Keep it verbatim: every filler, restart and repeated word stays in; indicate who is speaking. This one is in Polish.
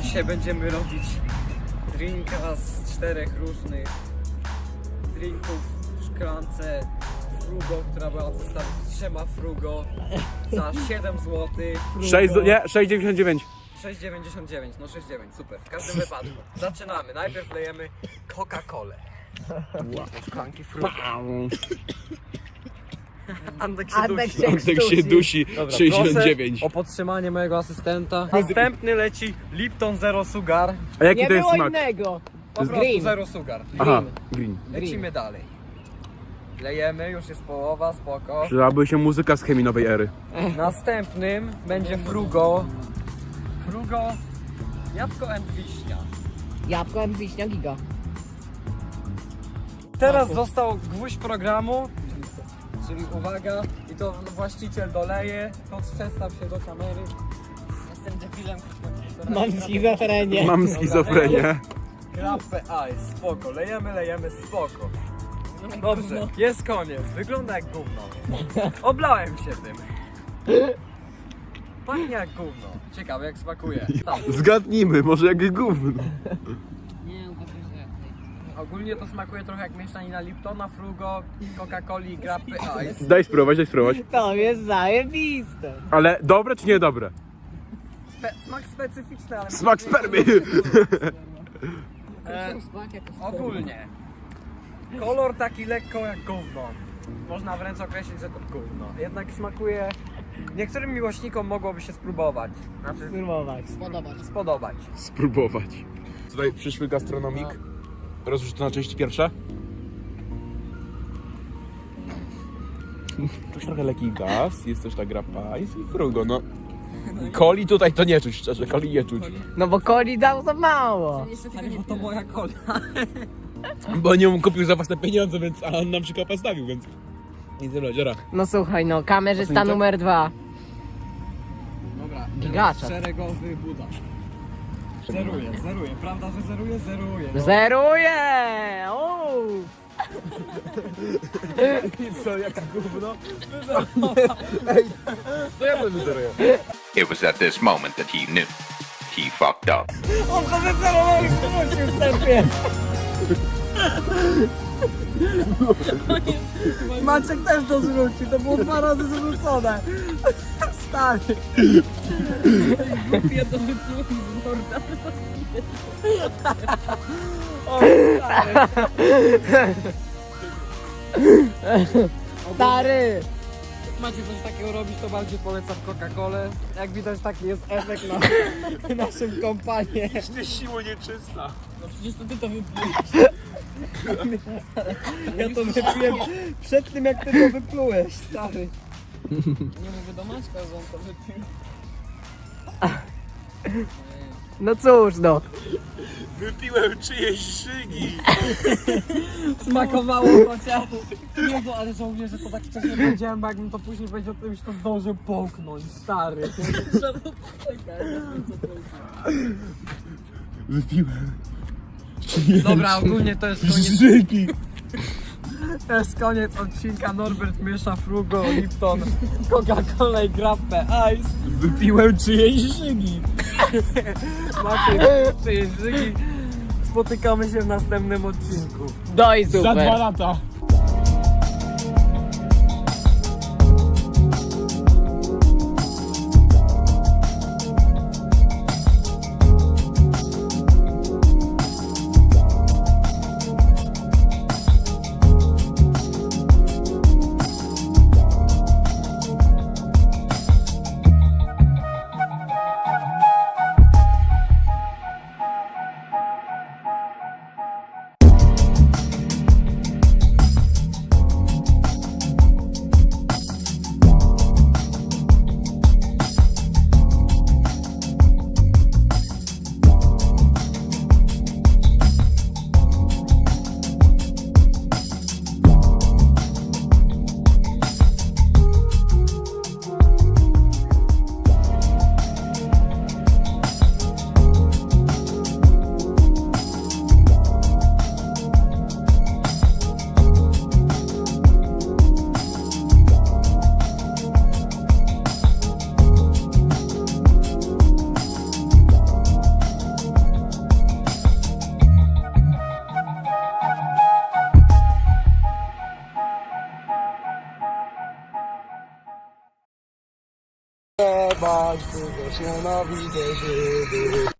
Speaker 1: Dzisiaj będziemy robić drinka z czterech różnych drinków w szklance Frugo, która była w zestawie z trzema Frugo za siedem złotych.
Speaker 2: sześć, nie, sześć dziewięćdziesiąt dziewięć.
Speaker 1: sześć dziewięćdziesiąt dziewięć, no sześć dziewięć, super. W każdym wypadku zaczynamy. Najpierw lejemy Coca-Colę. Szklanki Frugo. Andek się
Speaker 3: Andek
Speaker 1: dusi.
Speaker 3: się
Speaker 2: Antek się dusi.
Speaker 1: Dobra,
Speaker 2: sześćdziesiąt dziewięć.
Speaker 1: proszę o podtrzymanie mojego asystenta. Następny leci Lipton Zero Sugar.
Speaker 2: A jaki
Speaker 3: Nie
Speaker 2: to jest
Speaker 3: było
Speaker 2: smak?
Speaker 3: innego.
Speaker 1: Po prostu
Speaker 3: Green.
Speaker 1: Zero Sugar.
Speaker 2: Aha, green.
Speaker 1: Lecimy dalej. Lejemy, już jest połowa, spoko.
Speaker 2: Przydałaby się muzyka z chemii ery.
Speaker 1: Następnym będzie Frugo. Frugo, jabłko and wiśnia.
Speaker 3: Jabłko and wiśnia giga.
Speaker 1: Teraz został gwóźdź programu, czyli uwaga, i to właściciel doleje, to przestaw się do kamery. Jestem debilem.
Speaker 3: Mam schizofrenię.
Speaker 2: Mam schizofrenię.
Speaker 1: Grappę Ice, spoko, lejemy, lejemy, spoko. Dobrze, jest koniec, wygląda jak gówno. Oblałem się tym. Pachnie jak gówno. Ciekawe jak smakuje. Tam.
Speaker 2: Zgadnijmy, może jak gówno.
Speaker 1: Ogólnie to smakuje trochę jak mieszanina Liptona, Frugo, Coca-Coli i Grappy Ice.
Speaker 2: Daj spróbować, daj spróbować.
Speaker 3: To jest zajebiste.
Speaker 2: Ale dobre czy niedobre?
Speaker 1: Spe smak specyficzny, ale...
Speaker 2: Smak spermy.
Speaker 1: E, ogólnie. Kolor taki lekko jak gówno. Można wręcz określić, że to gówno. Jednak smakuje... Niektórym miłośnikom mogłoby się spróbować. Znaczy
Speaker 3: Spróbować. Spodobać.
Speaker 1: spodobać.
Speaker 2: Spróbować. Tutaj przyszły gastronomik. Rozłóż to na części pierwsze. Tu jest trochę lekki gaz, jest też ta grappa i frugo, no. Coli tutaj to nie czuć, szczerze, coli nie czuć.
Speaker 3: No bo coli dał za mało.
Speaker 1: Ale bo to moja kola.
Speaker 2: Bo nie kupił za własne pieniądze, więc a on nam przykopę stawił, więc... I tyle, dziara.
Speaker 3: No słuchaj, no kamerzysta
Speaker 2: Ocenicie?
Speaker 3: numer dwa.
Speaker 1: Dobra,
Speaker 3: Gigaczat.
Speaker 1: szeregowy Buda. Zeruje, zeruje. Prawda, że zeruje? Zeruje. No.
Speaker 3: Zeruje! Uuu.
Speaker 2: I co, jaka gówno? Ej, to ja będę zeruję.
Speaker 4: It was at this moment that he knew. He fucked up.
Speaker 3: On to wycelował i wrócił w serpie. Maciek też to zwrócił, to było dwa razy zwrócone. Stary. Głupie to wypluł z morda. O, stary. Stary.
Speaker 1: Jak macie coś takiego robić, to bardziej polecam Coca-Colę. Jak widać, taki jest efekt na naszym kompanie.
Speaker 2: Nie siło nieczysta.
Speaker 1: No przecież to ty to wyplułeś. Ja to wypiłem przed tym, jak ty to wyplułeś, stary. Nie mówię do Maćka, że on to wypił.
Speaker 3: No cóż no.
Speaker 2: Wypiłem czyjeś szygi.
Speaker 1: Smakowało chociaż. Jezu, ale żałuję, że to tak wcześniej powiedziałem, bo jakbym to później powiedział, to już to zdążył połknąć, stary. Trzeba poczekać,
Speaker 2: Wypiłem.
Speaker 1: Dobra, ogólnie to jest koniec.
Speaker 2: Szygi.
Speaker 1: To jest koniec odcinka. Norbert miesza Frugo, Lipton, Coca-Cola i Grappę Ice.
Speaker 2: Wypiłem czyjeś szygi.
Speaker 1: Macie czyjeś żygi. Spotykamy się w następnym odcinku.
Speaker 3: Doj
Speaker 2: Za dwa
Speaker 3: super.
Speaker 2: lata.
Speaker 3: spać, tylko się nawidzę żywy.